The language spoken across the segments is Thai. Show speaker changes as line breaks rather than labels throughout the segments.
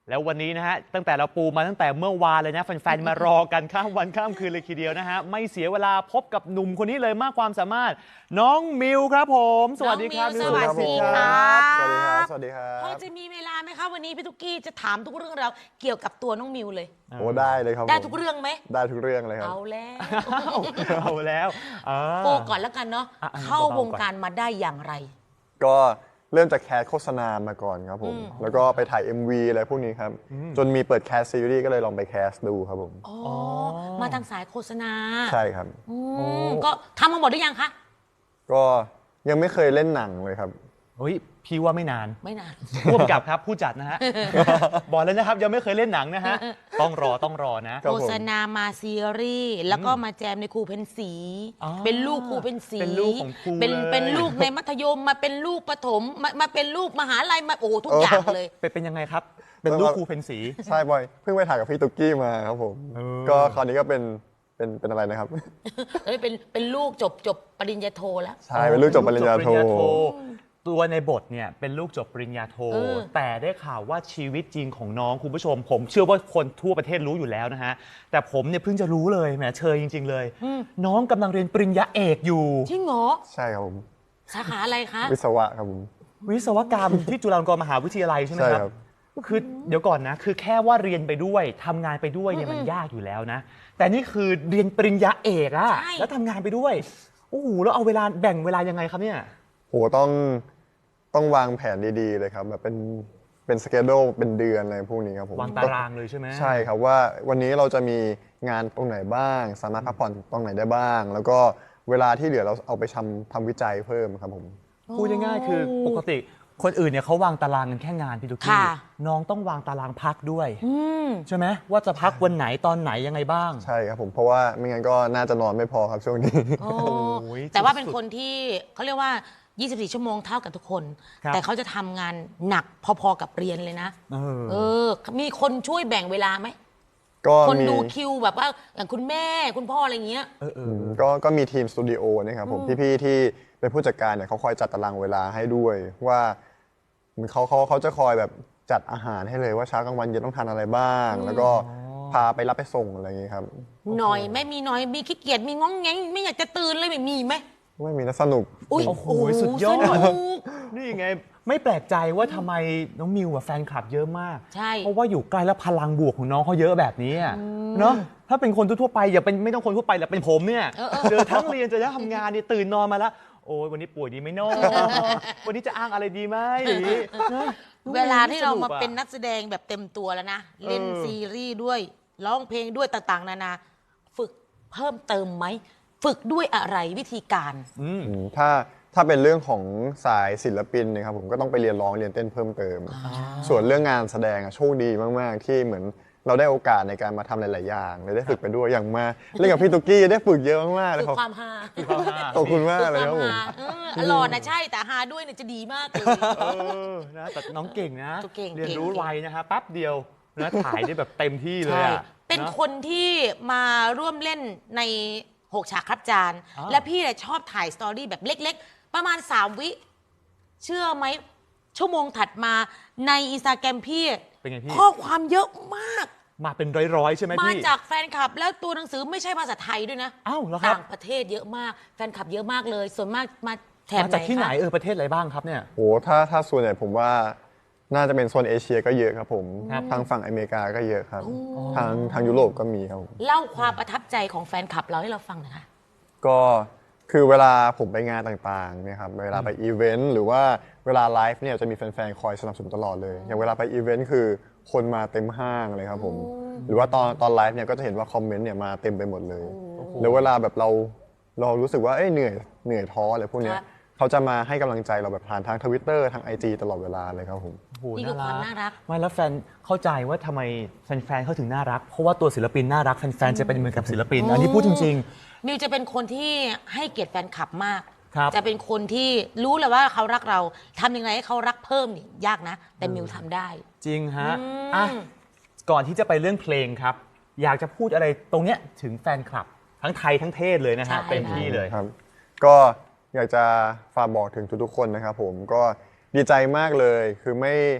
แล้ววันนี้นะฮะตั้งแต่เราปูมาตั้งแต่เมื่อวานเลยนะแฟนๆมารอกันข้ามวันข้ามคืนเลยทีเดียวนะฮะไม่เสียเวลาพบกับหนุ่มคนนี้เลยมากความสามารถน้องมิวครับผมสวัสดีครับ
สวัสดีครับ
สวัสดีครับ สวัสดีครั
พอบ จะมีเวลาไหมคะวันนี้พี่ตุ๊กกี้จะถามทุกเรื่องราวเกี่ยวกับตัวน้องมิวเลย
โอ้ได้เลยครับ
ได้ทุกเรื่องไหม
ได้ทุกเรื่องเลยครับ
เอาแล้ว
เอาแล้ว
โปก่อนแล้วกันเนาะเข้าวงการมาได้อย่างไร
ก็เริ่มจากแคสโฆษณามาก่อนครับผม แล้วก็ไปถ่าย MV อะไรพวกนี้ครับ จนมีเปิดแคสซีรีส์ก็เลยลองไปแคสดูครับผม
อ๋อ มาทางสายโฆษณา
ใช่ครับ
ก็ทำมาหมดหรือยังคะ
ก็ยังไม่เคยเล่นหนังเลยครับ
เฮ้ยพี่ว่าไม่นาน
ไม่นาน
ร่วมกับครับผู้จัดนะฮะ บอกเลยนะครับยังไม่เคยเล่นหนังนะฮะต้องรอนะ
ครับผม
โฆษณามาซีรีส์แล้วก็มาแจมในครูเพนสี
อ๋อ
เป็นลูกครูเพนสี
เป็นลูกของครู
เป็น
เลย
เป็นลูกในมัธยมมาเป็นลูกประถมมาเป็นลูกมหาลัยมาโอ้ทุกอย่างเลย
เป็นยังไงครับ เป็นลูกครูเพนสี
ใช่บอย เพิ่งไปถ่ายกับพี่ตุ๊กกี้มาครับผม ก็คราวนี้ก็เป็นอะไรนะครับ
เป็นลูกจบปริญญาโทแล้ว
ใช่ เป็นลูกจบปริญญาโท
ตัวในบทเนี่ยเป็นลูกจบปริญญาโท แต่ได้ข่าวว่าชีวิตจริงของน้องคุณผู้ชม ผมเชื่อว่าคนทั่วประเทศรู้อยู่แล้วนะฮะแต่ผมเนี่ยเพิ่งจะรู้เลยแหมเชยจริง ๆ เลย น้องกำลังเรียนปริญญาเอกอยู่
จริงเหรอ
ใช่ครับผม
สาขาอะไรคะ
วิศวะครับผม
วิศวกรรม ที่จุฬาลงกรณ์มหาวิทยาลัยใช่ไหม
ใช่
ค
ครั
รับบ คือเดี๋ยวก่อนนะคือแค่ว่าเรียนไปด้วยทำงานไปด้วยเนี่ยมันยากอยู่แล้วนะ แต่นี่คือเรียนปริญญาเอกอะแล้วทำงานไปด้วยโอ้โหแล้วเอาเวลาแบ่งเวลายังไงครับเนี่ย
โหต้องวางแผนดีๆเลยครับแบบเป็นสเกจโดเป็นเดือนอะไรพวกนี้ครับผม
วางตารางเลยใช่ไหม
ใช่ครับว่าวันนี้เราจะมีงานตรงไหนบ้าง สามารถพักผ่อนตรงไหนได้บ้าง แล้วก็เวลาที่เหลือเราเอาไปทำวิจัยเพิ่มครับผม
พูดง่ายๆคือปกติคนอื่นเนี่ยเขาวางตารางกันแค่งานพี่ตุ๊กกี้
ค่ะ
น้องต้องวางตารางพักด้วยใช่ไหมว่าจะพักวันไหนตอนไหนยังไงบ้าง
ใช่ครับผมเพราะว่าไม่งั้นก็น่าจะนอนไม่พอครับช่วงนี้
โอ้
โอ้ย
แต่ว่าเป็นคนที่เขาเรียกว่า 24 ชั่วโมงเท่ากับทุกคน
ครับ
แต่เขาจะทำงานหนักพอๆกับเรียนเลยนะ
เออ
มีคนช่วยแบ่งเวลาไหม
ก็
คน
มี
ดูคิวแบบว่าอย่างคุณแม่คุณพ่ออะไรเงี้ย
ก็มีทีมสตูดิโอนะครับผมพี่ๆที่เป็นผู้จัดการเนี่ยเขาคอยจัดตารางเวลาให้ด้วยว่าเขาจะคอยแบบจัดอาหารให้เลยว่าเช้ากลางวันเย็นต้องทานอะไรบ้าง แล้วก็พาไปรับไปส่งอะไรอย่างงี้ครับ
หน่อยไม่มีหน่อยมีขี้เกียจมีง้องแงงไม่อยากจะตื่นเลยไม่มีไหม
ไม่มีนะสนุก
อุ้ย
โอ้โหสุดยอด
สนุก
นี่ไงไม่แปลกใจว่าทำไมน้องมิวอะแฟนคลับเยอะมาก
ใช่
เพราะว่าอยู่ใกล้แล้วพลังบวกของน้องเขาเยอะแบบนี้อะเนาะถ้าเป็นคนทั่วๆไปอย่าเป็นไม่ต้องคนทั่วไปแหละเป็นผมเนี่ยเจอทั้งเรียนเจอทั้งทำงานเนี่ยตื่นนอนมาแล้วโอ้ยวันนี้ป่วยดีไหมเนาะวันนี้จะอ้างอะไรดีไหมอย่างนี้นะ
เวลาที่เรามา
สกอะ
เป็นนักแสดงแบบเต็มตัวแล้วนะ เล่นซีรีส์ด้วยร้องเพลงด้วยต่างๆ นานา ฝึกเพิ่มเติมไหม ฝึกด้วยอะไรวิธีการ
ถ้าเป็นเรื่องของสายศิลปินนะครับผมก็ต้องไปเรียนร้องเรียนเต้นเพิ่มเติม ส่วนเรื่องงานแสดงอะโชคดีมากๆที่เหมือนเราได้โอกาสในการมาทำหลายๆอย่างเลยได้ฝึกไปด้วยอย่างมาเล่นกับพี่ตุ๊กกี้ได้ฝึกเยอะมากๆเล
ฝึ
ย
ก
ครับ
ความฮา
ขอบคุณมาก
ฝึก
เลย
ควา
ครับผม
มฮาหล่อนะใช่แต่ฮาด้วยเนี่ยจะดีมากเลย
นะแต่น้องเก่งนะ
เก่ง
เรียนรู้
เก่ง
ไวนะฮะแป๊บเดียวนะถ่ายได้แบบเต็มที่เลย
ใช่
อะ
เป็น
นะ
คนที่มาร่วมเล่นใน6ฉากครับจาน
อ๋อ
และพี่เนี่ยชอบถ่ายสตอรี่แบบเล็กๆ ประมาณ 3 วิ เชื่อไหม ชั่วโมงถัดมาในอินสตาแกรมพี่
เป็นไงพี่
ข้อความเยอะมาก
มาเป็นร้อยๆใช่ไหม
มา
พี่
จากแฟนคลับ แล้วตัวหนังสือไม่ใช่ภาษาไทยด้วยนะ
อ้าวเหรอครับ
ต่างประเทศเยอะมาก แฟนคลับเยอะมากเลย ส่วนมากมาแถบ
มา
ไหน
จากที่ไหน
คะ
ประเทศอะไรบ้างครับเนี่ย
โหถ้าส่วนใหญ่ผมว่าน่าจะเป็นโซนเอเชียก็เยอะครับผม
ครับ
ทางฝั่งอเมริกาก็เยอะครับ ทางยุโรปก็มีครับผม
เล่าความประทับใจของแฟนคลับเราให้เราฟังหน่อยค่ะ
ก็คือเวลาผมไปงานต่างๆเนี่ยครับเวลาไปอีเวนต์หรือว่าเวลาไลฟ์เนี่ยจะมีแฟนๆคอยสนับสนุนตลอดเลย อย่างเวลาไปอีเวนต์คือคนมาเต็มห้างเลยครับผมหรือว่าตอนไลฟ์เนี่ยก็จะเห็นว่าคอมเมนต์เนี่ยมาเต็มไปหมดเลยแล้วเวลาแบบเรารู้สึกว่าเหนื่อยท้ออะไรพวกเนี้ย
ครับ
เขาจะมาให้กำลังใจเราแบบผ่านทาง Twitter ทาง IG ตลอดเวลาเลยครับผม
โอ้โห
นี่คือความน่ารัก
ไม่แล้วแฟนเข้าใจว่าทำไมแฟนๆเขาถึงน่ารัก เพราะว่าตัวศิลปินน่ารักแฟนๆจะเป็นเหมือนกับศิลปิน อันนี้พูดจริง
มิวจะเป็นคนที่ให้เกียรติแฟนคลับมาก
ครับ
จะเป็นคนที่รู้เลยว่าเขารักเราทำยังไงให้เขารักเพิ่มนี่ยากนะ แต่มิวทำได้
ๆ จริงฮะอ่ะก่อนที่จะไปเรื่องเพลงครับ อยากจะพูดอะไรตรงเนี้ยถึงแฟนคลับ ทั้งไทยทั้งเทศเลยนะ
ใช่
ฮะเต็มที่เลย
ครับก็อยากจะฝากบอกถึงทุกๆคนนะครับผมก็ดีใจมากเลยคือ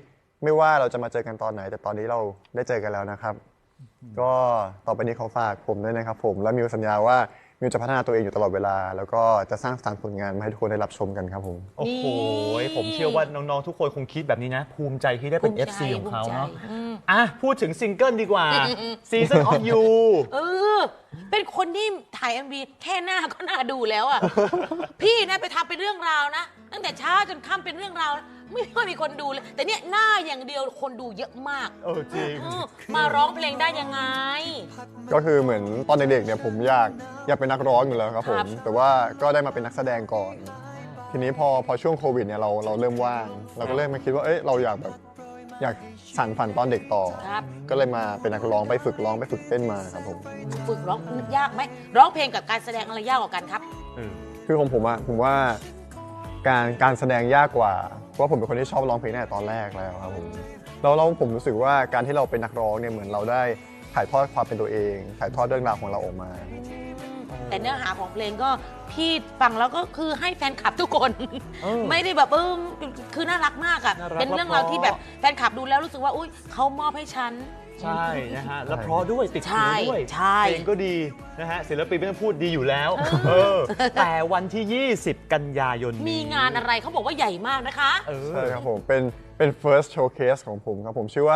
ไม่ว่าเราจะมาเจอกันตอนไหน แต่ตอนนี้เราได้เจอกันแล้วนะครับ ก็ต่อไปนี้ขอฝากผมด้วยนะครับผมและมิวสัญญาว่ามิวจะพัฒนาตัวเองอยู่ตลอดเวลา แล้วก็จะสร้างสรรค์ผลงานมาให้ทุกคนได้รับชมกันครับผม
โอ้โห
นี่
ผมเชื่อว่าน้องๆทุกคนคงคิดแบบนี้นะ ภูมิใจที่ได้เป็น
ภูมิใจ
FC ของเขา
ภูมิใจ
เนาะอ่ะพูดถึงซิงเกิลดีกว่า Season of You
เออ เป็นคนที่ถ่าย MV แค่หน้าก็น่าดูแล้วอ่ะ พี่นะไปทำเป็นเรื่องราวนะ ตั้งแต่เช้าจนค่ำเป็นเรื่องราวนะไม่ค่อยมีคนดูเลย แต่เนี่ยหน้าอย่างเดียวคนดูเยอะมาก
จริง
มาร้องเพลงได้ยังไง
ก็คือเหมือนตอนเด็กๆเนี่ยผมอยากเป็นนักร้องอยู่แล้วครับผ
ครั
ม
บ
แต่ว่าก็ได้มาเป็นนักแสดงก่อน ทีนี้พอช่วงโควิดเนี่ยเราเริ่มว่าง เราก็เริ่มมาคิดว่าเอ้ยเราอยากสานฝันตอนเด็กต่อ
ครับ
ก็เลยมาเป็นนักร้องไปฝึกร้องไปฝึกเต้นมาครับผม
ฝึกร้องยากไหมร้องเพลงกับการแสดงอะไรยากกว่ากันครับ
คือของผมอะผมว่าการแสดงยากกว่าเพราะผมเป็นคนที่ชอบร้องเพลงตั้งแต่ตอนแรกแล้วครับผมแล้วผมรู้สึกว่าการที่เราเป็นนักร้องเนี่ยเหมือนเราได้ถ่ายทอดความเป็นตัวเอง ถ่ายทอดเรื่องราวของเราออกมา
แต่เนื้อหาของเพลงก็พี่ฟังแล้วก็คือให้แฟนคลับทุกคน
เออ
ไม่ได้แบบคือน่ารักมากอ่ะ
น่ารัก
เป็นเรื่องราวที่แบบแฟนคลับดูแล้วรู้สึกว่าอุ้ยเขามอบให้ฉัน
ใช่นะฮะ แล้วเพราะด้วยติด
ใช่
หูด้วย
ใช่
เพลงก็ดีนะฮะศิลปินไม่ต้องพูดดีอยู่แล้วแต่วันที่ 20 กันยายนนี้
มีงานอะไรเขาบอกว่าใหญ่มากนะคะ
ใช่ครับผมเป็น first showcase ของผมครับผมชื่อว่า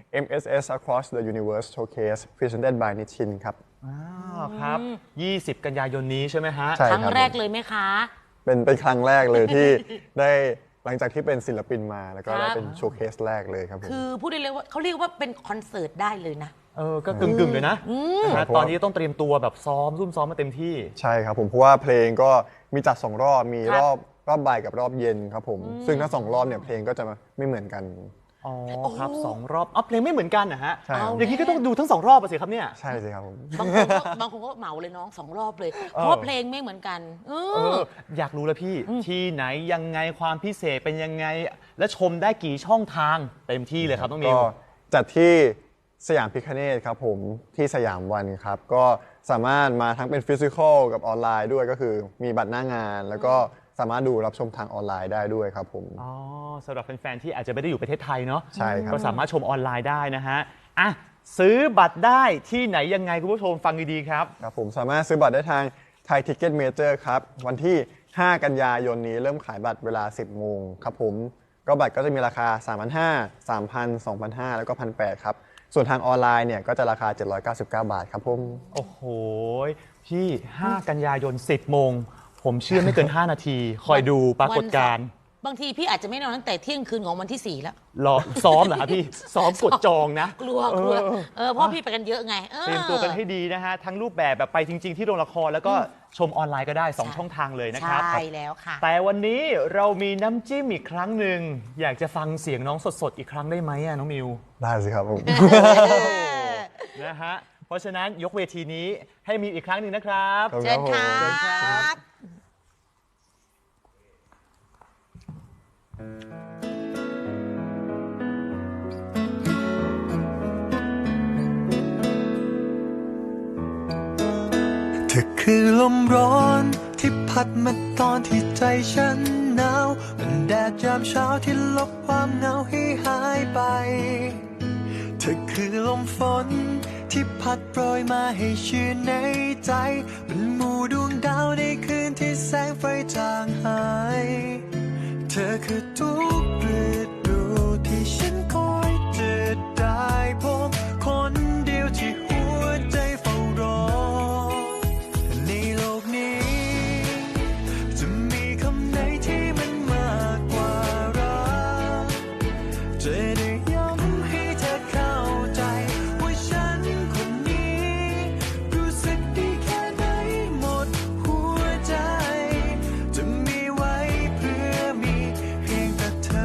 MSS Across the Universe Showcase Presented by Nichin ครับ
ครับ 20 กันยายนนี้ใช่ไหมฮะ
ใช่
ครั้งแรกเลยไหมคะ
เป็นครั้งแรกเลยที่ ได้หลังจากที่เป็นศิลปินมาแล้วก็
ครับ
ได้เป็นโชว์เคสแรกเลยครับผม
คือพูดได้เลยว่าเขาเรียกว่าเป็นคอนเสิร์ตได้เลยนะ
ก็กึ่งๆเลยนะนะฮะตอนนี้ต้องเตรียมตัวแบบซ้อมซุ่มซ้อมมาเต็มที่
ใช่ครับผมเพราะว่าเพลงก็มีจัด2 รอบมี
ครับ
รอบบ่ายกับรอบเย็นครับผมซึ่งทั้ง2 รอบเนี่ยเพลงก็จะไม่เหมือนกัน
อ๋อครับ2 รอบเพลงไม่เหมือนกันนะฮะ
ใช่ครับ
อย่างนี้ก็ต้องดูทั้ง 2 รอบอะสิครับเนี่ย
ใช่สิครับผม
บางคนก็เหมาเลยน้อง2 รอบเลย เพราะว่าเพลงไม่เหมือนกัน
อยากรู้แล้วพี่ที่ไหนยังไงความพิเศษเป็นยังไง และชมได้กี่ช่องทางเต็มที่เลยครับน้องมิ
ก็
ว
จัดที่สยามพิคเนตครับผมที่สยามวันครับก็สามารถมาทั้งเป็นฟิสิกอลกับออนไลน์ด้วยก็คือมีบัตรหน้างาน แล้วก็สามารถดูรับชมทางออนไลน์ได้ด้วยครับผม
อ๋อสำหรับแฟนๆที่อาจจะไม่ได้อยู่ประเทศไทยเนาะ
ใช่ครับ
ก็สามารถชมออนไลน์ได้นะฮะอ่ะซื้อบัตรได้ที่ไหนยังไงคุณผู้ชมฟังดีๆครับ
ครับผมสามารถซื้อบัตรได้ทางไทยทิกเก็ตเมเจอร์ครับวันที่ 5 กันยายนนี้เริ่มขายบัตรเวลา 10 โมงครับผมก็บัตรก็จะมีราคา 3,500 3,000 2,500 แล้วก็ 1,800 ครับส่วนทางออนไลน์เนี่ยก็จะราคา 799 บาทครับผม
โอ้โหพี่ 5 กันยายน 10 โมง ผมเชื่อไม่เกิน 5 นาที คอยดูปรากฏการณ์
บางทีพี่อาจจะไม่นอนตั้งแต่เที่ยงคืนของวันที่ 4 แล้ว
รอซ้อมเหรอครับพี่ ซ้อมกดจองนะ
กลัวเพราะพี่ไปกันเยอะไง
เตรียมตัวกันให้ดีนะฮะ ทั้งรูปแบบไปจริง ๆ ที่โรงละครแล้วก็ชมออนไลน์ก็ได้ 2 ช่องทางเลยนะครับ
ใช่แล้วค่ะ
แต่วันนี้เรามีน้ำจิ้มอีกครั้งหนึ่งอยากจะฟังเสียงน้องสดๆอีกครั้งได้ไหมอะน้องมิว
ได้สิครับผม
นะฮะเพราะฉะนั้นยกเวทีนี้ให้มีอีกครั้งหนึ่งนะครับ
ครับ
เชิญครั
เชิญครับ
บ
เธอคือลมร้อนที่พัดมาตอนที่ใจฉันหนาวเป็นแดดยามเช้าที่ลบความเหงาให้หายไป เธอคือลมฝนที่พัดโปรยมาให้ชื่นในใจเป็นหมู่ดวงดาวในคืนที่แสงไฟจางหาย เธอคือทุกฤดูที่ฉันคอยจะได้พบคนเดียวที่หัวใจเฝ้ารอ ในโลกนี้จะมีคำไหนที่มันมากกว่ารักจะได้ย้ำให้เธอเข้าใจว่าฉันคนนี้รู้สึกดีแค่ไหนหมดหัวใจจะมีไว้เพื่อมีเพียงแต่เธอ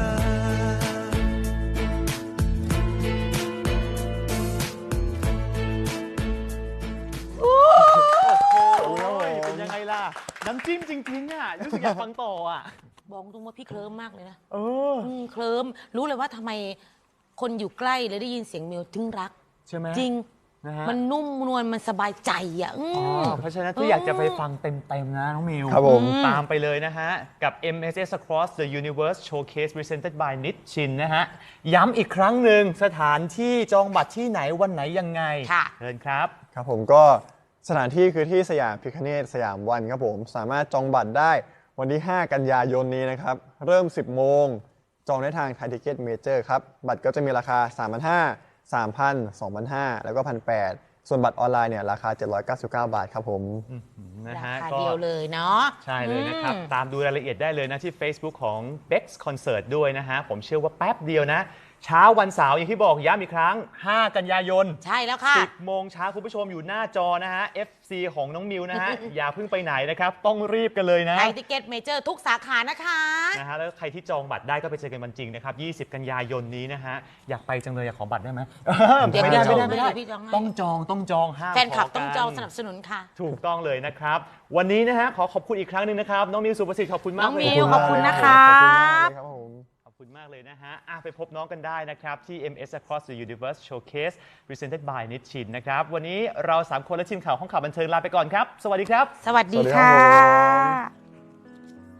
โอ้ยเป็นยังไงล่ะ น้ำจิ้มจริงๆอ่ะรู้สึกอยากฟังต่ออ่ะ
บอกตรงว่าพี่เคลิ้มมากเลยนะ
เออ
เคลิ้มรู้เลยว่าทำไมคนอยู่ใกล้เลยได้ยินเสียงเมลถึงรัก
ใช่ไหม
จริง
นะฮะ
มันนุ่มนวลมันสบายใจอ่ะ
เพราะฉะนั้นถ้าอยากจะไปฟังเต็มๆนะน้องมิว
ครับผม
ตามไปเลยนะฮะ กับ MSS Across the Universe Showcase Presented by Nitchin นะฮะ ย้ำอีกครั้งหนึ่งสถานที่จองบัตรที่ไหนวันไหนยังไง
ค่ะ
เชิญครับ
ครับผมก็สถานที่คือที่สยามพิคเนตสยามวันครับผมสามารถจองบัตรได้วันที่ 5 กันยายนนี้นะครับ เริ่ม 10 โมง จองได้ทางไทยทิเก็ตเมเจอร์ครับ บัตรก็จะมีราคา 3,500 3,000 2,500 แล้วก็ 1,800 ส่วนบัตรออนไลน์เนี่ยราคา 799 บาทครับผม
นะ
รา
ฮะ
คา
ก็
เดียวเลยเนาะ
ใช่เลยนะครับ ตามดูรายละเอียดได้เลยนะที่ Facebook ของ Bex Concert ด้วยนะฮะ ผมเชื่อว่าแป๊บเดียวนะ เช้าวันเสาร์อย่างที่บอกย้ำอีกครั้ง 5 กันยายน
ใช่แล้วค่ะ
10 โมงเช้าคุณผู้ชมอยู่หน้าจอนะฮะ FC ของน้องมิวนะฮะ อย่าเพิ่งไปไหนนะครับ ต้องรีบกันเลยนะ
ไทยทิเก็ตเมเจอร์ทุกสาขานะคะ
นะฮะแล้วใครที่จองบัตรได้ก็ไปเจอกันวันจริงนะครับ 20 กันยายนนี้นะฮะ อยากไปจังเลยอยากขอบัตรได้ไหม
เดี๋ยว
ไม่ได้
พี่จอง
ไม่ได้
ให้พี่จองให้
ต้องจองห้าม
แฟนคลับ
ข
ต้อง
กัน
จองสนับสนุนค่ะ
ถูกต้องเลยนะครับ วันนี้นะฮะขอขอบคุณอีกครั้งหนึ่งนะครับ น้องมิวสุประสิทธิ์ขอบคุณมาก
น้อง
เลย
มิวขอบคุณนะคะ
ขอบคุณมากเลยครับผม
ขอบคุณมากเลยนะฮะไปพบน้องกันได้นะครับ ที่ MS Across the Universe Showcase Presented by Nitchin นะครับ วันนี้เรา 3 คนและทีมข่าวห้องข่าวบันเทิงลาไปก่อนครับ สวัสดีครับ
สวัสดี
สวัสดีครั
ค่ะ
บ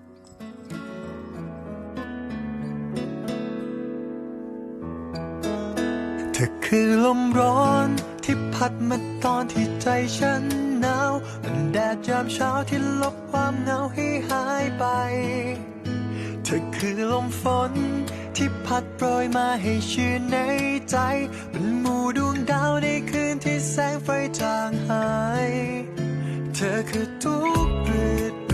เธอคือลมร้อนที่พัดมาตอนที่ใจฉันหนาวเป็นแดดยามเช้าที่ลบความเหงาให้หายไป เธอคือลมฝนที่พัดโปรยมาให้ชื่นในใจเป็นหมู่ดวงดาวในคืนที่แสงไฟจางหาย เธอคือทุกฤ